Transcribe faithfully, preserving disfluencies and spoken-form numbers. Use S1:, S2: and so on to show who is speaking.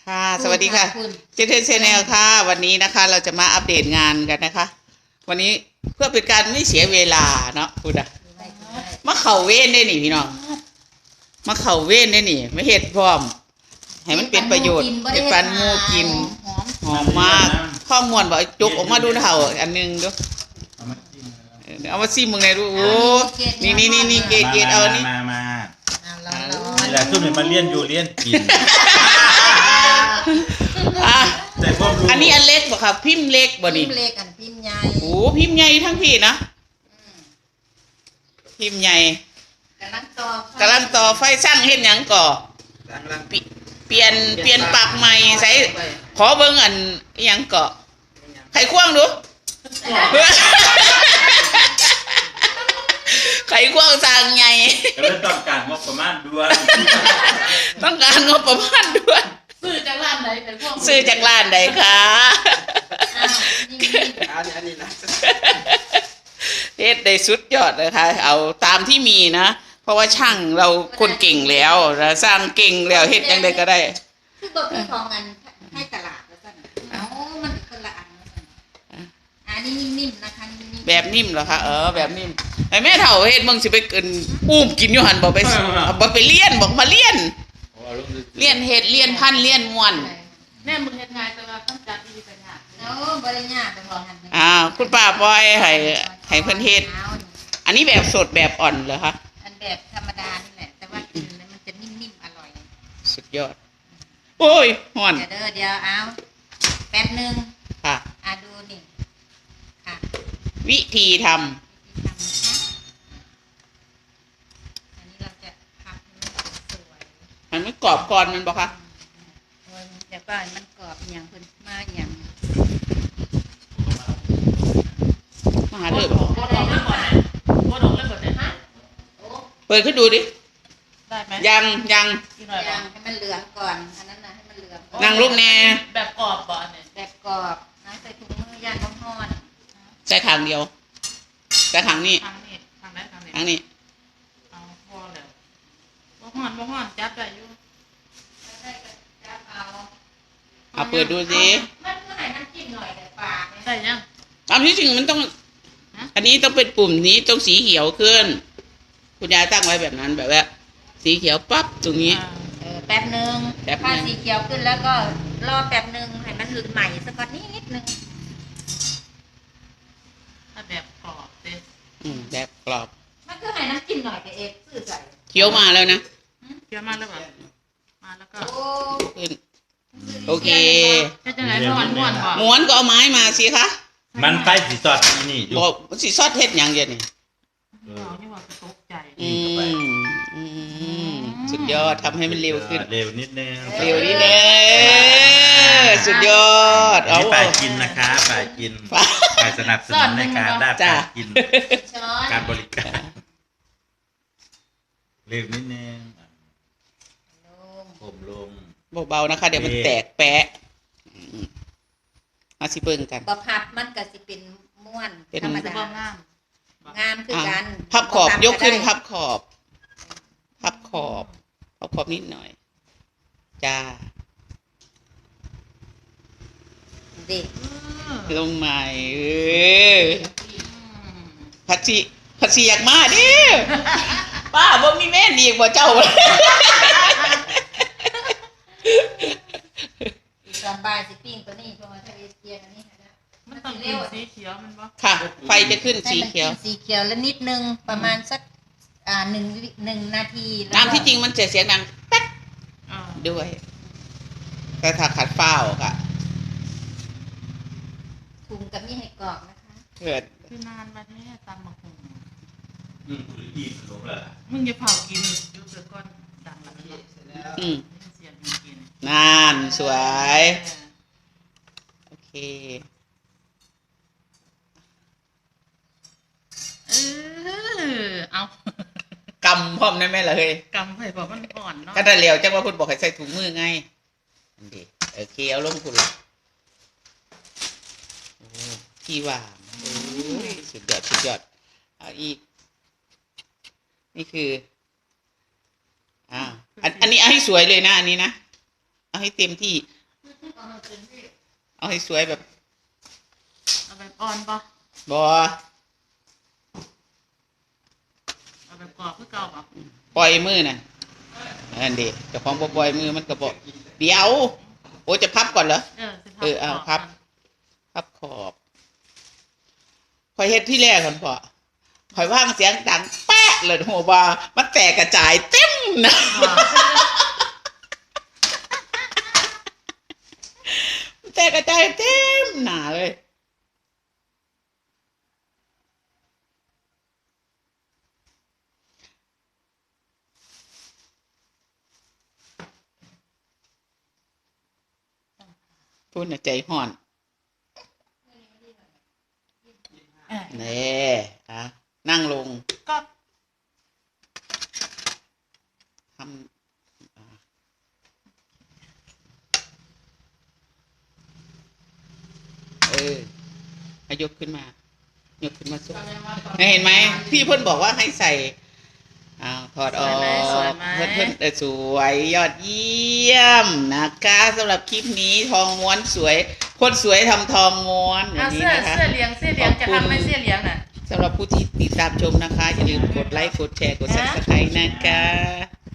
S1: ค่ะสวัสดีค่ะเจเทนเชนแนลค่ะวันนี้นะคะเราจะมาอัปเดตงานกันนะคะวันนี้เพื่อเป็นการไม่เสียเวลาเนาะคุณอะมาเข่าเว้นได้หนิพี่น้องมาเข่าเว้นได้หนิไม่เห็ดพร้อมให้มันเป็นประโยชน์เป็นปันมูกินหอมมากข้อมูลบอกจุกออกมาดูเถ่าอันนึงดูเอามาซิมึงไงดูโอ้นี่นี่นี่นี่เกตเกตเอานี่
S2: มามานี่แหละซุ่มเนี่ยมาเลี้ยนอยู่เลี้ยนกินแต่พวก
S1: อันนี้อันเล็กบ่ครับพิมพ์เล็กบ่นี่
S3: พิมพ์เล็กอันพิมพ์ใหญ่
S1: โอ้พิมพ์ใหญ่ทั้งพี่นะพิมพ์ใหญ่
S3: กำลังต่อก
S1: ำลังต่อไฟสร้างเห็นยังก่อเปลี่ยนเปลี่ยนปากใหม่ใส่ขอเบิ้งอันยังก่อไข่ควงดูไข่ควงสร้างใหญ่
S2: ก็เลยต้องการงบประมาณด่วน
S1: ต้องการงบประมาณด่วน
S3: ซื้อจากร้านไหนไข่ควง
S1: ซื้อจากร้านไหนคะเฮ็ดได้สุดยอดเลยค่ะเอาตามที่มีนะเพราะว่าช่างเราคนเก่งแล้วเราสร้างเก่งแล้วเฮ็ดยังไงก็ได้
S3: คือบอกพี่ของอันให้ตลาดแล้วกันเอ้ามันคนละอันอันนี้นิ่มๆนะคะ
S1: แบบนิ่มเหรอคะเออแบบนิ่มไอ้แม่เฒ่าเฮ็ดมึงสิไปกินอุ้มกินอยู่หันบอกไปบอกไปเลี้ยนบอกมาเลี้ยนเลี้ยนเฮ็ดเลี้ยนพันเลี้ยนม่วน
S3: แม่มึงเฮ็ดไงแต่ว่าต้องจัดดีกันยากเอ้าบ่ได้ยากต้องรอหัน
S1: อ่าคุณป้าปอยให้ให้เพิ่นเฮ็ดอันนี้แบบสดแบบอ่อนเหรอคะ
S3: อันแบบธรรมดานี่แหละแต่ว่ากินแล้วมันจะนิ่มๆอร่อย
S1: สุดยอดโอ้ยฮ้อน
S3: เดี๋ยวเด้อเดี๋ยวเอาแป๊บนึง
S1: ค่ะ
S3: อ่ะดูนี่ค่ะ
S1: วิธีทำ
S3: อันนี้เราจะพับสวย
S1: มันไม่กรอบก่อนมันบอกคะ
S3: เดี๋ยวก็มันกรอบอย่างเพิ่นมาอย่าง
S1: มาหาเลยบอกเปิดขึ้นดูดิ
S3: ได้ไหม
S1: ยังยัง
S3: ยังให้มันเหลืองก่อนอันนั้นนะให้มันเหลือง
S1: นั่งรูปแน่
S4: แบบกรอบบ่เนี่ย
S3: แบบกรอบนะใส่ถุงมือย่างร้อน
S1: ใส่ขางเดียวใส่ขางนี้
S4: ทางนี้ทางไหนทางนี้
S1: ทางนี้
S4: เอาพอแล้วบ่ฮ้อนบ่ฮ้อนจับได้อยู่
S3: ได้ก็จับเอา
S1: เอาเปิดดูสิ
S3: มันก็ให้น้ำจิ้มหน่อยแต่ปาก
S4: ได้ยัง
S1: ตามที่จริงมันต้องอันนี้ต้องเป็นปุ่มนี้ต้องสีเขียวขึ้นคุณยายตั้งไว้แบบนั้นแบบว่าสีเขียวปั๊บตรงนี้
S3: เออแป๊บนึงถ้าสีเขียวขึ้นแล้วก็รอแป๊บนึงให้มันหลุดใหม่สักก่อนนิดนิดนึง
S4: ถ้าแบบกรอบเด้
S1: อืมแบบกรอบ
S3: มันก็ให้น้ำจิ้มหน่อยกับเอฟซื้อใส่
S1: เขียวมาแล้วนะ
S4: เขียวมาแล้วแบบมาแล้วก็
S1: ขึ้นโอเค
S4: จะไหนม้วนม้วนบ่
S1: ม้วนก็เอาไม้มาสิคะ
S2: มันไปสีซอดที่นี่
S1: บอกสีซอดเฮ็ดอย่างเดียวนี่อืมอืมสุดยอดทำให้มันเร็วขึ้น
S2: เร็วนิดนึง
S1: เร็วนิดนึงสุดยอด
S2: เอาไปกินนะคะไปกินไปสนับสนุนในการได้ไปกินการบริการเร็วนิดนึงผมลง
S1: เบาๆนะคะเดี๋ยวมันแตกแปะมาสิเบิ่งกัน
S3: บ่พับมันก็สิเป็นม้วนธรรมดางามงามคือกัน
S1: พับขอบยกขึ้นพับขอบพับขอบพับขอบนิดหน่อยจ้า
S3: เด็ก
S1: ลงใหม่เออพัชชีพัชชีอยากมาดิป้าบ่มีแม่ดีกว่าเจ้า
S3: สบายสิปิ้งตัวนี้เพราะว่าถ้าเกียร์อันนี้
S4: มันต้องเป็นสีเขียวมันบ่
S1: ค่ะไฟจะขึ้นสีเขียว
S3: สีเขียวแล้วนิดนึงประมาณสักอ่าหนึ่งหนึ่งนาที
S1: ตามที่จริงมันจะเสียงดังแป๊กด้วยแต่ถ้าขัดเฝ้าค่ะ
S3: ถุงกับนี่ให้กรอบนะคะ
S1: เกิด
S4: คือนานวันนี้ตำมะฮุง
S2: อืมอีกหลงละ
S4: มึงอย่าเผากินยุบเสือก้อนดังละ
S1: อืมนานสวยโอเค
S4: เออเอา
S1: กำพร้อมได้ไหมล่ะเฮ้ย
S4: กำไปบอกมันอ่อนเนาะ
S1: ก็ได้เร็วจังว่าคุณบอกให้ใส่ถุงมือไงดีโอเคเอาลงคุณละพี่ว่าสุดยอดสุดยอดเอาอีกนี่คืออ่าอันนี้เอาให้สวยเลยนะอันนี้นะเอาให้เต็มที่
S3: เอามาเป็นที่
S1: เอาให้สวยแบบ
S4: เอาแบบอ่อนปะ
S1: บอ
S4: เอาแบบกรอบคือเก่าปะ
S1: ปล่อยมือน่ะอันเดีเจ้าของบ่ปล่อยมือมันก็บอกเดี๋ยวโอ้จะพับก่อนเหรอ
S4: เออสิ
S1: เออเอา
S4: กร
S1: พับ พับขอบคอยเฮ็ดที่แรกก่อนพอคอยว่างเสียงดังแป๊ะเลยโหว่ามันแตกกระจายเต็มนะ
S4: ว่า
S1: มันแตกกระจายเต็มหนาเลยพูดน่ะใจห่อน
S4: เออ
S1: เน่อะนั่งลง
S4: ก็
S1: ทำอ่าเออให้ยกขึ้นมา ยกขึ้นมาสุดเห็นไหมพี่เพิ่นบอกว่าให้ใส่อ้าวถอดออกเพิ่นเพิ่นเออสวยยอดเยี่ยมนะคะสำหรับคลิปนี้ทองม้วนสวย คนสวยทำทองม้วนอย่า
S4: อ่ะ
S1: งนี้
S4: เสื้อ
S1: นะคะ
S4: เสื้อเหลียงเสื้อเหลียง
S1: ขอบ
S4: จะ
S1: คุณ
S4: ทำไหมเสื้อเหลียงน่ะ
S1: สำหรับผู้ที่ติดตามชมนะคะ อย่าลืมกดไลค์กดแชร์กด
S4: ฮะ
S1: ซับสไครต์นะคะ